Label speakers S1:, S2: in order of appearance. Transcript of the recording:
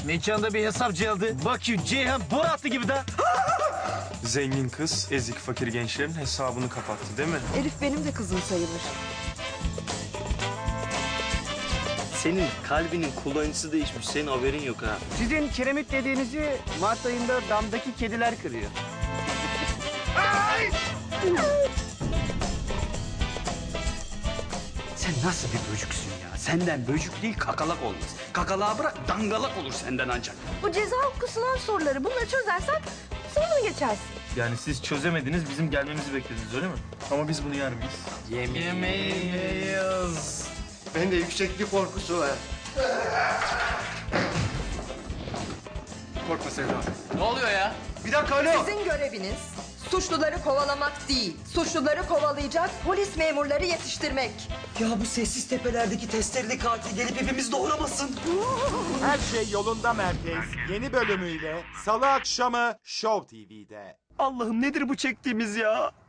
S1: Mekanda bir hesapçı aldı. Bakıyor Ceyhan bor attı gibi de.
S2: Zengin kız ezik fakir gençlerin hesabını kapattı değil mi?
S3: Elif benim de kızım sayılır.
S4: Senin kalbinin kullanıcısı değişmiş. Senin haberin yok ha.
S1: Sizin kiremit dediğinizi Mart ayında damdaki kediler kırıyor.
S5: Sen nasıl bir böcüksün ya? Senden böcük değil kakalak olmaz. Kakalağı bırak dangalak olur senden ancak.
S3: Bu ceza hukuku sınav soruları. Bunları çözersen sınavını geçersin.
S2: Yani siz çözemediniz, bizim gelmemizi beklediniz öyle mi? Ama biz bunu yer miyiz?
S1: Yemeyiz.
S6: Bende yükseklik korkusu var.
S2: Korkma Sevda.
S1: Ne oluyor ya?
S2: Bir dakika alo.
S3: Sizin göreviniz suçluları kovalamak değil, suçluları kovalayacak polis memurları yetiştirmek.
S5: Ya bu sessiz tepelerdeki testereli katil gelip hepimiz doğramasın.
S7: Her şey yolunda merkez yeni bölümüyle Salı akşamı Show TV'de.
S5: Allah'ım nedir bu çektiğimiz ya?